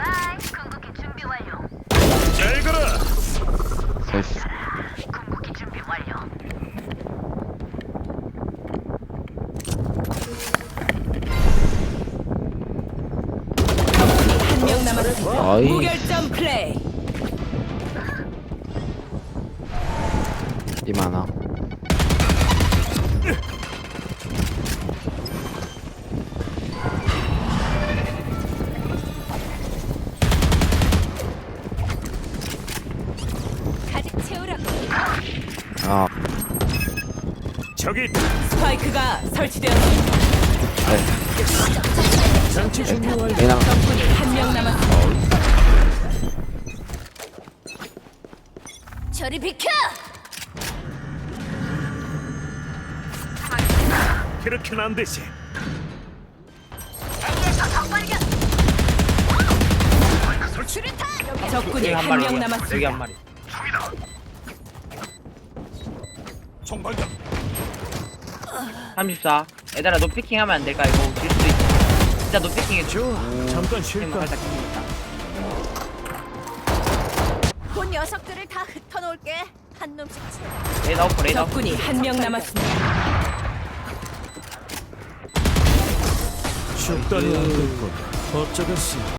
잘 가라. 나이스. 한 명 남았습니다. 아이. 무결점 플레이. 이 많아. 가득 채우라고. 아, 저기 스파이크가 설치되었습니다. 네. 장치 준비 완료. 얘랑 적군이 한 명 남았습니다. 저리 비켜! 그렇게는 안 되지. 적군이 한 명 남았습니다. 여기 한 마리. 총발견. 34. 얘들아 노피킹하면 안 될까? 이거 질 수도 있어. 진짜 노피킹해 줘. 잠깐 지금 쉴까? 살짝 깁니다. 그 녀석들을 다 흩어놓을게. 한 놈씩 채. 레이더 오프 레이더. 적군이 한 명 남았습니다. 죽다니 안 됐군. 어쩌겠어.